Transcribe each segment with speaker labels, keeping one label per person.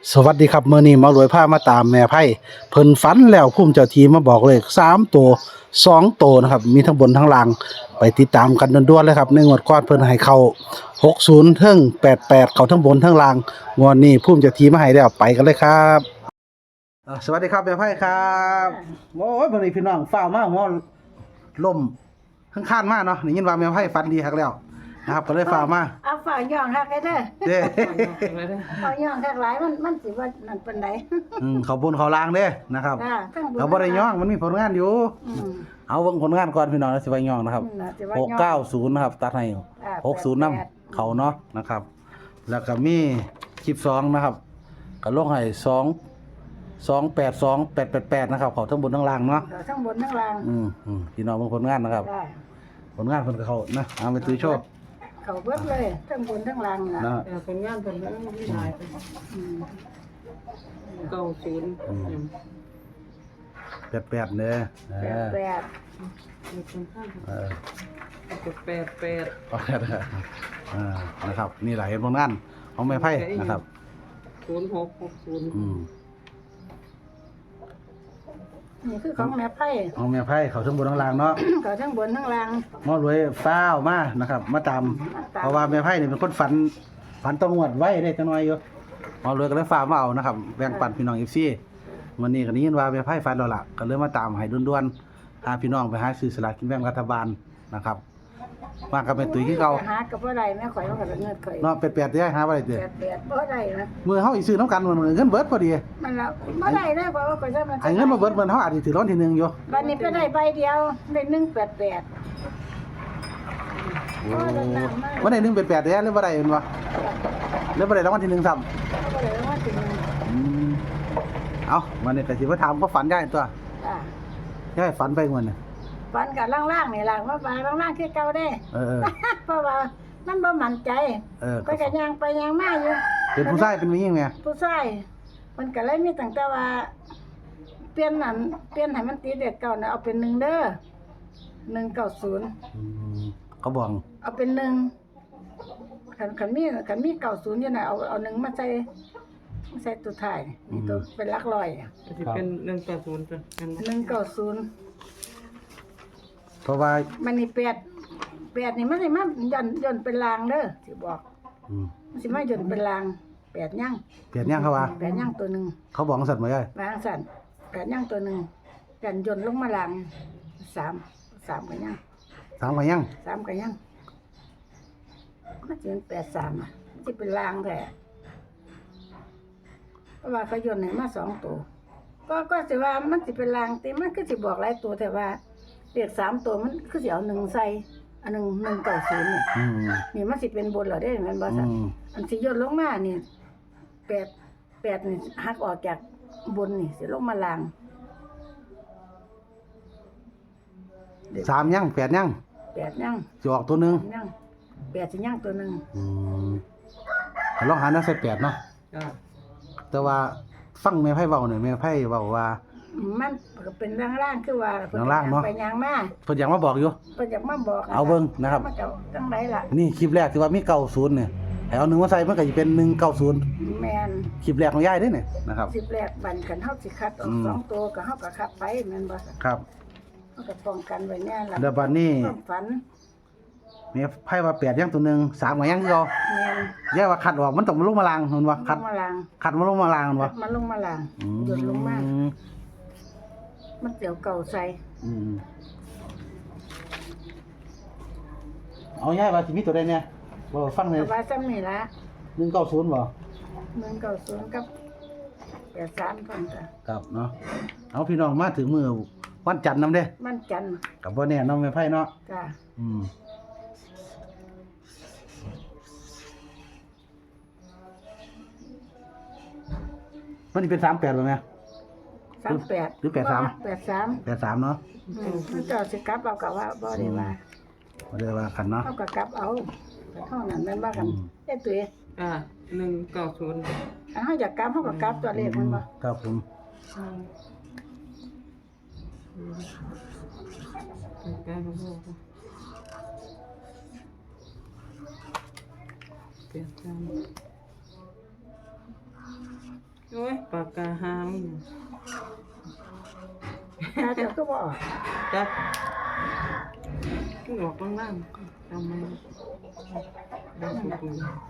Speaker 1: สวัสดีครับมื้อนี้มารวยพามาตามแม่ไพ่เพิ่นฝันแล้วภูมิเจ้าที่มาบอกเลข3ตัว2ตัวนะครับมีทั้งบนทั้งล่างไปติดตามกันด่วนๆเลยครับในงวดก่อนเพิ่นให้เข้า60เทิง88เข้าทั้งบนทั้งล่างงวดนี้ภูมิเจ้าที่มาให้แล้วไปกันเลยครับสวัสดีครับแม่ไพ่ครับโอ้ยมื้อนี้พี่น้องฟ้าวมาหัวล่มข้างๆมาเนาะได้ยินว่าแม่ไพ่ฝันดีคักแล้วนะครับก็เลยฟ้าวมา
Speaker 2: เอาฝ่ายย่องฮักไอ้เด้อ
Speaker 1: เด้
Speaker 2: ฝ่ายย่องฮักหลายมันสิว่านั่นปานใด
Speaker 1: เขาบนเขาล่างเด้นะครับ
Speaker 2: จ้าทั้งบุญ
Speaker 1: เขาบ่ได้ย่องมันมีผลงานอยู่
Speaker 2: อืม
Speaker 1: เอาเบิ่งผลงานก่อนพี่น้องแล้วสิว่าย่องนะครับ
Speaker 2: น่ะสิว่าย่อง
Speaker 1: 690นะครับตัดให้60นำเขาเนาะนะครับ แล้วก็มีคลิป2นะครับก็ลงให้282 888นะครับเขาทั้งบนทั้งล่างเนาะ
Speaker 2: ทั้งบนทั้งล่าง
Speaker 1: พี่น้องเบิ่งผลงานนะครับ
Speaker 2: ได้
Speaker 1: ผลงานเพิ่นก็เขานะเอาไปตื้อโชค
Speaker 2: เขาเบิดเลยทั้งบนทั้งล่างน่ะ
Speaker 1: นะ
Speaker 3: เป็นงานเป็นเรื่องที่หายไป
Speaker 2: อืม
Speaker 3: เก้าศูนย์
Speaker 1: 88เด้อ
Speaker 2: แปด
Speaker 1: เออ
Speaker 3: แปดแปด
Speaker 1: นะครับนี่แหละเห็นผลงานของแม่ไพ่นะครับ
Speaker 3: 0660
Speaker 2: นี่คือของแม่ไพ่
Speaker 1: ของแม่ไพ่เขาทั้งบนทั้งล่างเนาะ
Speaker 2: เขาทั้งบนทั้งล่าง
Speaker 1: หมอรวยฟ้าวมานะครับ มาตามเพราะว่าแม่ไพ่นี่เป็นคนฝันต้องงวดไว้ได้จังน้อยอยู่หมอรวยก็เลยฟ้าวมาเอานะครับแบ่งปันพี่น้อง FC วันนี้ก็ได้ยินว่าแม่ไพ่ฝันแล้วล่ะก็เลยมาตามให้ด่วนๆพาพี่น้องไปหาซื้อสลากกินแบ่งรัฐบาลนะครับมากับเป็นตุ้ยที่เก่า
Speaker 2: หากับบ่ได้แม่ข่อยว่าก็เงินข่อย
Speaker 1: เนาะเป็ดๆได้หาบ่ได้เด้อ
Speaker 2: แปดบ่ได้นะ
Speaker 1: มื้อเฮาสิซื้อน้ำกันมันเงินเบิดพอดี
Speaker 2: มันละบ่ได้นะเพราะว่าข่อยจะมัน
Speaker 1: ไอ้เงินมาเบิดมันเฮาอาจสิถือรางวัลที่1อยู่
Speaker 2: บัดนี้ไปได้ใบเดียวได้188
Speaker 1: โอ้บ่ได้1เป็ด8เด้อหรือบ่ได้แม่นบ่หรือบ่ได้รางวัลที่1ซ้ำ
Speaker 2: ก็เลยว่าถึง
Speaker 1: เอาวันนี้ก็สิมาถามก็ฝันได้ตัว
Speaker 2: อ่า
Speaker 1: ย่ายฝันไปงวดน่ะ
Speaker 2: ฟันกับล่างๆนี่ล่ะว่าบาล่างๆคือเก่าได้
Speaker 1: เออ
Speaker 2: เพราะว่ามันบ่มั่นใจ
Speaker 1: ก็
Speaker 2: ก็ย่างไปย่างมาอยู่
Speaker 1: เป็นผู้ชายเป็นผู้หญิงไง
Speaker 2: ผู้ชายมันก็เลยมีตั้งแต่ว่า เปลี่ยนนั่นเปลี่ยนให้มันตีเด็กเก่าน่ะเอาเป็น1เด้อ190
Speaker 1: เขาบอก
Speaker 2: เอาเป็น1คันมี90อยู่น่ะเอา1มาใส่ตัวท้ายนี่ตัวเป็นหลักร้อย
Speaker 3: จะเป็น180จ้ะ
Speaker 2: 190
Speaker 1: เพราะว่า
Speaker 2: มันนี่8นี่มันสิมาย่อนเป็นลางเด้อสิบอก มันสิมาย่อนเป็นลาง8ย่าง
Speaker 1: เปลี่ยนยังเขาว่า
Speaker 2: 8ย่างตัวหนึง
Speaker 1: เขาบอกสัตว์มาย่ายว
Speaker 2: างสั่น8ย่างตัวหนึงกันย่นลงมาลาง3ก็ย่าง
Speaker 1: ถามว่ายัง
Speaker 2: 3ก็ย่างมันสิเป็น83อ่ะมันสิเป็นลางแท้เพราะว่าเขาย่นให้มา2ตัวก็สิว่ามันสิเป็นลางแต่มันคือสิบอกหลายตัวแต่ว่าเลข3ตัวมันคือสิเอา1ใส่อัน190นี่ นี่มันสิเป็นบนเหรอได้แม่นบ่ซั่นอันสิย่นลงมานี่8นี่หักออกจากบนนี่สิลงมาล่าง
Speaker 1: 3ยัง8ยัง
Speaker 2: 8ย่าง
Speaker 1: จะออกตัวหนึง
Speaker 2: ย่าง8สิย่างตัวหนึง
Speaker 1: ลองหาแนวใส่8เนาะ
Speaker 3: จ้ะ
Speaker 1: แต่ว่าฟังแม่ไพ่เว้าเนี่ยแม่ไพ่เว้าว่า
Speaker 2: มันก็เป็นร่างๆคือว่าเพิ่น
Speaker 1: ร่างๆเนาะ
Speaker 2: ไปย่างมา
Speaker 1: เพิ่นอยากมาบอกอยู่
Speaker 2: เพิ่นอยากมาบอก
Speaker 1: เอาเบิ่งนะครับ
Speaker 2: มันก็จังไดล่ะ
Speaker 1: นี่คลิปแรกที่ว่ามี90เนี่ยให้เอา1มาใส่มันก็สิเป็น190
Speaker 2: แม่น
Speaker 1: คลิปแรกของยายเด้เนี่ยนะครับ
Speaker 2: 10แรกบันกันเฮาสิคัดออก2ตัวก็เฮาก็คัดไปแม่นบ่ซั่น
Speaker 1: ครับ
Speaker 2: เฮาก็ป้องกันไว้แน่ล่ะ
Speaker 1: แล้วบัดนี้
Speaker 2: ความฝัน
Speaker 1: แม่ไพ่ว่า8ยังตัวหนึง3ก็ยังคือเก่า
Speaker 2: แม่น
Speaker 1: แย่ว่าคัดออกมันต้องมาลงมาลางเห็นบ่คัด
Speaker 2: ลงมาล่าง
Speaker 1: คัดมาลงมาลางเห็นบ่
Speaker 2: มันลงมาล่างหยดลงมามันเดี๋ยวเก่าใส่
Speaker 1: เอาง่ายว่าสิมีตัวใดเนี่ยบ่ฟังเลย
Speaker 2: แต่ว่าซ้ำนี่ละ
Speaker 1: 190บ่
Speaker 2: 190กับ83คนจ้ะ
Speaker 1: ครับเนาะเอาพี่น้องมาถึงมื้อวันจันทร์นำเด้
Speaker 2: มันจันทร์
Speaker 1: ก็บ่แน่เนาะแม่ไพ่เนาะ
Speaker 2: จ้ะ
Speaker 1: มันสิเป็น38บ่แม่
Speaker 2: 38
Speaker 1: หรือ83
Speaker 2: 83
Speaker 1: 83เนาะ
Speaker 2: มันก็สิกลับเอากับว่าบ่ได้ว่า
Speaker 1: บ่ได้ว่ากันเนาะ
Speaker 2: เฮาก็กลับเอาแต่เท่านั้นแม่นว่ากันเอ้ตุ้ย
Speaker 3: 190
Speaker 2: อันเฮาอยากกลับเฮาก็กลับตัวเลขมันบ่
Speaker 1: ครับผม
Speaker 3: ใกล้ๆกับพ่อเปลี่ยนจานโอ้ยปากกาหาง
Speaker 2: ถ้าเจ้าก็บ่ออก
Speaker 3: จับขึ้นออกล่างๆทำไมได้สุด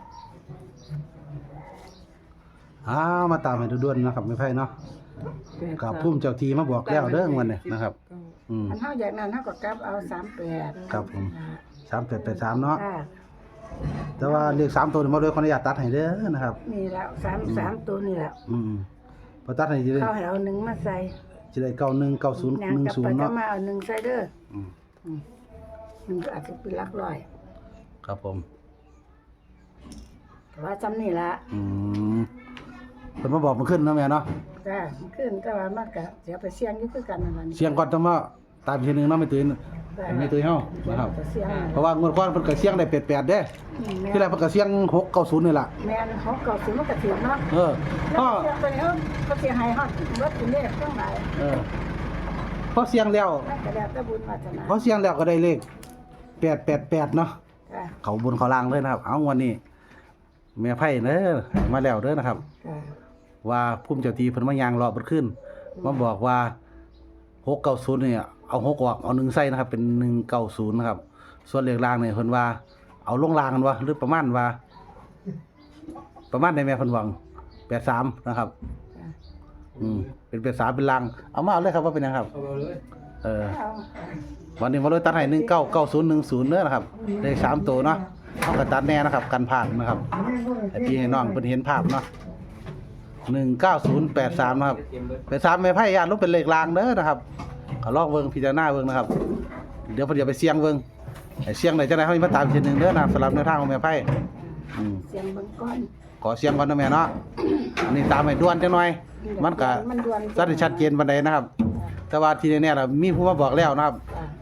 Speaker 1: มาตามให้ด่วนๆนะครับแม่ไพ่เนาะกับพุ่มเจ้าทีมาบอกแล้วเด้อวันนี้นะครับ
Speaker 2: อันเฮาอย่างนั้นเฮาก็กลับเอา38
Speaker 1: ครับผม3883เนาะ
Speaker 2: ค่ะ
Speaker 1: แต่ว่าเลข3ตัวนี่มาโดยขออนุญาตตัดให้เด้อนะครับ
Speaker 2: นี่แล้ว3ตัวนี่แหละ
Speaker 1: พอตัดให้สิได้
Speaker 2: เขาให้เอา1มาใส่
Speaker 1: สิได้91 90
Speaker 2: นางกลับไป
Speaker 1: 10
Speaker 2: ก็
Speaker 1: เนาะ
Speaker 2: มาเอา1ใส่เด้อมันก็อาจจะเป็นหลักร้อย
Speaker 1: ครับผม
Speaker 2: แต่ว่าจำนี่ละ
Speaker 1: เพิ่นมาบอกมันขึ้นเนาะแม่เนาะ
Speaker 2: จ้ามันขึ้นแต่ว่ามันก็เสียไปเสี่ยงอยู่คือกันนั่นล่ะนี่
Speaker 1: เสียงก่อนต้องมาตามอีกทีหนึงเนาะไม่ตื่นไม่ตื่นเฮานะครับ
Speaker 2: เสี่ยง
Speaker 1: เพราะว่างวดก่อนเพิ่นก็เสียงได้88เด้ที่แรกเพิ่นก็เสียง690นี่ล่ะ
Speaker 2: แม่นเขาเก่าสิมันก็ถือเนาะ
Speaker 1: พอ
Speaker 2: แล้วเสียงไปแล้วเขาเสียหายฮอดรถอยู่นี่เครื่องหมาย
Speaker 1: พอเสียงแล้ว
Speaker 2: นั่นก็แล้วแต่บุญวาสนา
Speaker 1: พอเสียงแล้วก็ได้เลข888เนาะ
Speaker 2: จ้า
Speaker 1: เขาบนเขาล่างเลยนะครับ เอางวันนี้แม่ไพ่เด้อให้มาแล้วเด้อนะครับ
Speaker 2: จ้า
Speaker 1: ว่าภูมิเจ้าที่เพิ่นมายางรอเบิดขึ้นมาบอกว่า690เนี่ยเอา6ออกเอา1ใส่นะครับ เป็น190นะครับ ส่วนเลขล่างเนี่ยเพิ่นว่าเอาลงล่างกันว่าหรือประมาณว่า ประมาณได้แม่เพิ่นหวัง83นะครับ
Speaker 2: จ้า
Speaker 1: เป็น83เป็นล่างเอามาเอาเลยครับว่าเป็นหยังครับ
Speaker 3: เอาเลย
Speaker 2: เอา
Speaker 1: วันนี้มาเลยตัดให้199010เด้อนะครับเลข3ตัวเนาะเฮาก็ตัดแน่นะครับกันผ่านนะครับให้พี่ให้น้องเพิ่นเห็นภาพเนาะ19083นะครับ83แม่ไพ่ญาติลงเป็นเลขล่างเด้อนะครับก็ลองเบิ่งพิจารณาเบิ่งนะครับ เดี๋ยวเพิ่นจะไปเสี่ยงเบิ่งให้เสี่ยงได้จังได๋เฮาสิมาตามอีกทีหนึงเด้อนะครับสำหรับแนวทางของแม่ไพ่
Speaker 2: เสียงเบิ่งก่อน
Speaker 1: ขอเสี่ยงก่อนนะแม่เนาะอันนี้ตามให้ด่วนจังหน่อยมันก็
Speaker 2: มันด่วน
Speaker 1: สัดชัดเจนปานใดนะครับ แต่ว่าทีนี้ล่ะมีผู้มาบอกแล้วนะครับ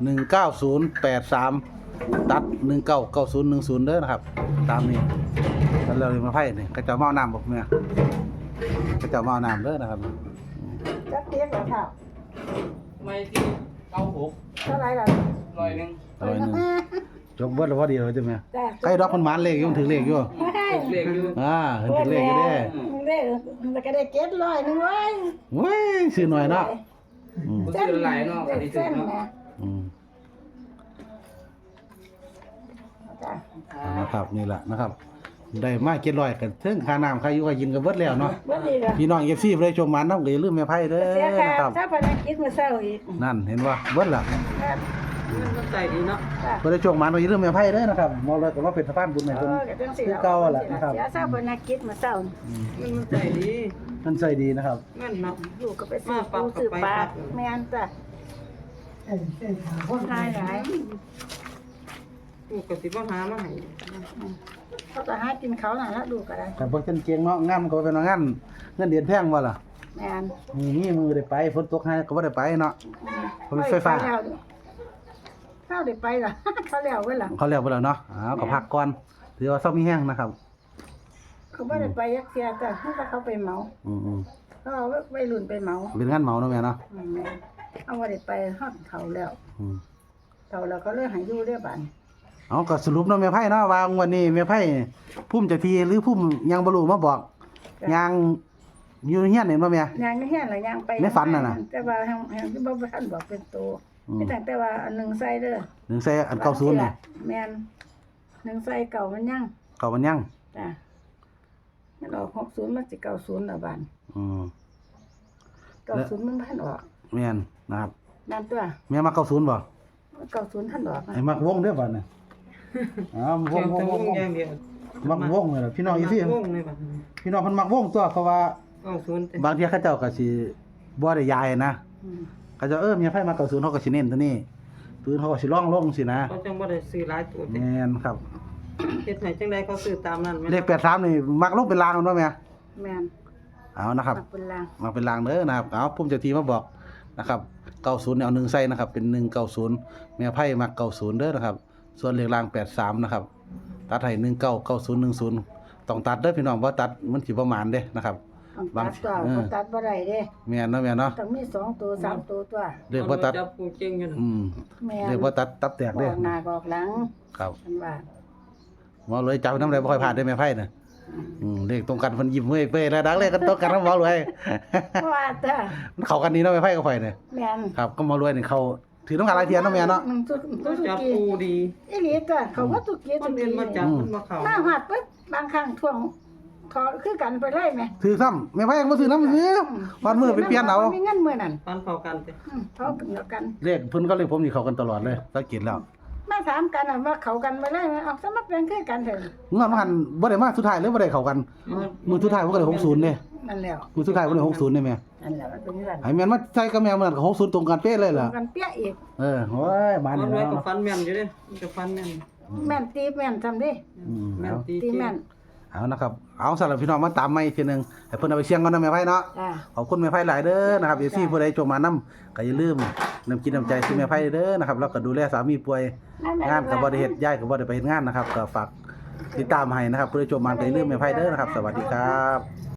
Speaker 1: 19083ตัด199010เด้อนะครับ ตามนี้แล้วเราเลยมาไพ่นี่ก็จะเมาน้ำบอกแม่ก็จะเมาน้ำเด้อนะครับ
Speaker 2: จักเตียงแล้วค่ะ
Speaker 3: ไม่ที่
Speaker 2: เ
Speaker 3: 96
Speaker 2: ท่าไหร่ล่ะ
Speaker 3: 100
Speaker 1: อร่อยหนึงจบเบิดแล้วพอดีเลยจ้ะแม่
Speaker 2: จ้า
Speaker 1: ใครดอกมันหมานเลขอยู่มันถึงเลขอยู่
Speaker 3: เลขอยู่
Speaker 1: เห็นถึงเลขอยู่เด้
Speaker 2: เลขมันก็ได้เก็ดร้อยหนึงเว้ย
Speaker 1: เว้ยซื้อหน่อยเนาะอืม
Speaker 3: บ่ซื้อหลายเนาะอันนี้ซื้อ
Speaker 2: เส้น
Speaker 3: เนาะ
Speaker 2: นะ
Speaker 1: อืม
Speaker 2: จ้า
Speaker 1: นะครับนี่แหละนะครับ ได้มา700กันถึงค่าน้ำค่าอยู่ค่ากินก็เบิดแล้วเนาะ
Speaker 2: บ่ดีล่ะ
Speaker 1: พี่น้อง FC บ่ได้ชมหมานนำก็อย่าลืมแม่ไผเด้อ
Speaker 2: เสียค่า
Speaker 1: นะครับ
Speaker 2: ถ้าพนักกิจมื้อเช้าอีก
Speaker 1: นั่นเห็นบ่เบิดล่ะ
Speaker 2: ครับ
Speaker 3: มันใจดีเนาะ
Speaker 2: จ้า
Speaker 1: บ่ได้ชมหมานก็อย่าลืมแม่ไผเด้อนะครับบ่เลยก็มาเป็นสะพานบุญให้เพิ่น
Speaker 2: ก็จังสิ
Speaker 1: คือเก่าแหละนะครับ
Speaker 2: เสียทราบพนักกิจมื้อเช้านี่
Speaker 3: มันใจดี
Speaker 1: มันใจดีนะครับ
Speaker 3: เงินเนาะ
Speaker 2: ลูกก็ไปซื้อปูซื้อปลาแม่นจ้ะคนหายหลาย
Speaker 3: ลูกก็สิบ่หามาให้
Speaker 2: เขาก็หากินเขาน่ะแล้วลูกก็ได้
Speaker 1: แต่บ่จันเกียงเนาะงามก็เป็นงานเงินเดือนแพงบ่ล่ะ
Speaker 2: แม่น
Speaker 1: มีมือได้ไปฝนตกให้ก็บ่ได้ไปเนาะ ผมมีไฟฟ้า
Speaker 2: เข้าได้ไปล่ะ เขาแล้วเว้ยล่ะ
Speaker 1: เขาแล้วบ่แล้วเนาะก็พักก่อนถือว่าเซามีแห้งนะครับ
Speaker 2: เขาบ่ได้ไปยักเสียจ้ะเขาก็เขาไปเหมา
Speaker 1: อืม
Speaker 2: เขาเอาวัยรุ่นไปเหมา
Speaker 1: เป็นงานเหมาเนาะแม่เนาะ
Speaker 2: แม่นเอาบ่ได้ไปฮอดเขาแล้ว
Speaker 1: อืม
Speaker 2: เขาแล้วก็เลยให้อยู่เรียบัด
Speaker 1: เอาก็สรุปเนาะแม่ไผเนาะว่าวันนี้แม่ไผพุ่มเจ้าที่หรือพุ่มยังบ่รู้มาบอกยังอยู่เฮียนเห็นบ่แม่
Speaker 2: ย่างเฮียนล่ะย่างไป
Speaker 1: ในฝันน่ะนะ
Speaker 2: แต่ว่าแฮงที่บ่ทันบอกเป็นโตมีแต่ว่าอันหนึงใส่เด้อ
Speaker 1: หนึ่งใส่อัน90นี่
Speaker 2: แม่นหนึ่งใส่เก่ามันยัง
Speaker 1: เก่ามันยัง
Speaker 2: จ้ะมันออก60มันสิ90แล้วบาด
Speaker 1: อืม
Speaker 2: 90มันพันออก
Speaker 1: แม่นนะครับ
Speaker 2: นั่นตัว
Speaker 1: แม่มา90บ่
Speaker 2: 90ท่านออกนะ
Speaker 1: ไอ้มักวงเด้อบัดน่ะอ้าวว
Speaker 3: เชีย
Speaker 1: ง
Speaker 3: ง
Speaker 1: ว
Speaker 3: ตะ
Speaker 1: ง
Speaker 3: ว
Speaker 1: ว
Speaker 3: ง
Speaker 1: ง
Speaker 3: อย่างเดียว
Speaker 1: มักวงเลยล่ะพี่น้องอีซี่
Speaker 3: วงเลยบัดนี้
Speaker 1: พี่น้องเพิ่นมักวงตัวเพราะว่า
Speaker 3: 90แต่
Speaker 1: บางเที่ยเขาเจ้าก็สิบ่ได้ย้ายนะ
Speaker 2: อืม
Speaker 1: เขาเจะมีไผมา90เขาก็สิเน้นตัวนี้ปืนเขาก็สิร่องลงสินะ
Speaker 3: เขาจังบ่ได้ซื้อหลายตัวแต่
Speaker 1: แม่นครับ
Speaker 3: เฮ็ดให้จังได๋เขาซื้อตามนั้นแม่น
Speaker 1: เลข83นี่มักลงเป็นลางมันบ่แม่
Speaker 2: แม่น
Speaker 1: เอานะครับ
Speaker 2: มักเป็นลาง
Speaker 1: มาเป็นลางเด้อนะครับเอาพุ่มเจ้าที่มาบอกนะครับ90เนี่ยเอา1ใส่นะครับเป็น190แม่ไพ่มัก90เด้อนะครับ ส่วนเลขล่าง83นะครับตัดให้199010ต้องตัดเด้อพี่น้องบ่ตัดมันสิบ่หมานเด้นะครับ
Speaker 2: ต้องตัดตัวบ่ตัดบ่ได้เด้
Speaker 1: แม่นเนาะแม่เนาะ
Speaker 2: ต้องมี2ตัว3ตัวตัว
Speaker 1: เลขบ่ตัด
Speaker 3: จับผู้เก่งอยู่
Speaker 2: แม่น
Speaker 1: เลขบ่ตัดตับแตก
Speaker 2: บ
Speaker 1: เด้
Speaker 2: อกหน้าบอกหลัง
Speaker 1: ครับ
Speaker 2: ฉันว่า
Speaker 1: บ่เลยจับน้ำได้บ่ค่อยพลาดได้แม่ไพ่น่ะเลขตรงกันเพิ่นยิ้มเว้ยเป้แล้วดักเลขกันตรงกันกับหมอรวย
Speaker 2: เพราะว่าจ้ะ
Speaker 1: มันเข้ากันดีเนาะแม่ไพ่กับข่อยเนี่ย
Speaker 2: แม่น
Speaker 1: ครับก็หมอรวยนี่เขาถือต้องการหลายเทียนเนาะแม่เนาะ
Speaker 2: มันตุ
Speaker 3: จับ
Speaker 2: กี้
Speaker 3: ปูดี
Speaker 2: อีหลีจ้ะเขาว่าตุกี้
Speaker 3: มันเรียนมาจับมันมาเข้า
Speaker 2: หน้าหอดปึ๊บบางครั้งท่วงขอคือกันไปเลยแหม
Speaker 1: ถือซ้ำแม่ไพ่ยังบ่ถือน้ำซื้อวันมื้อไปเปลี่ยนเอา
Speaker 2: มีเงินมื้อนั้น
Speaker 3: ฟันเข้ากันสิ
Speaker 2: เขาเดียวกัน
Speaker 1: เลขเพิ่นก็เลขผมนี่เข้ากันตลอดเลยสังเกตแล้ว
Speaker 2: มาถามกันว่าเขากันไปเลยเอาสมัครเป็นคือกันเถอะ
Speaker 1: เมื่อมันบ่ได้มาสุดท้ายเลยบ่ได้เข้ากันมื้อสุดท้ายผมก็ได้60เด้
Speaker 2: นั่นแหล้ว
Speaker 1: มื้อสุดท้ายผมได้60นี่แม่
Speaker 2: นั่นแหละมันเป็นอย่างนั้น
Speaker 1: ให้แม่นมาใส่กับแม่เหมือนกับ60ตรงกันเป๊ะเลยล่ะ
Speaker 2: กันเปี้ยอีก
Speaker 1: โอ้ยบ้าน
Speaker 3: มัน
Speaker 1: นี่
Speaker 3: ไว้
Speaker 1: เนาะ
Speaker 3: กับฟันแม่นอยู่เด้มันจะฟันแม่น
Speaker 2: แม่นตีแม่นทำดิ
Speaker 3: แม่นตี
Speaker 2: ตีแม่น
Speaker 1: เอานะครับเอาสำหรับพี่น้องมาตามใหม่อีกทีนึงให้เพิ่นเอาไปเสี่ยงก่อนนะแม่ไพ่เนาะ
Speaker 2: จ้า
Speaker 1: ขอบคุณแม่ไพ่หลายเด้อนะครับเอซี่ผู้ใดจงมานํก็อย่าลืมนำกินน้ำใจซื้อแม่ไพ่เด้อนะครับแล้วก็ดูแลสามีป่วยงานก็บ่ได้เฮ็ดย้ายก็บ่ได้ไปเฮ็ดงานนะครับก็ฝากติดตามให้นะครับผู้ใดจงมาก็อย่าลืมแม่ไพ่เด้อนะครับสวัสดีครับ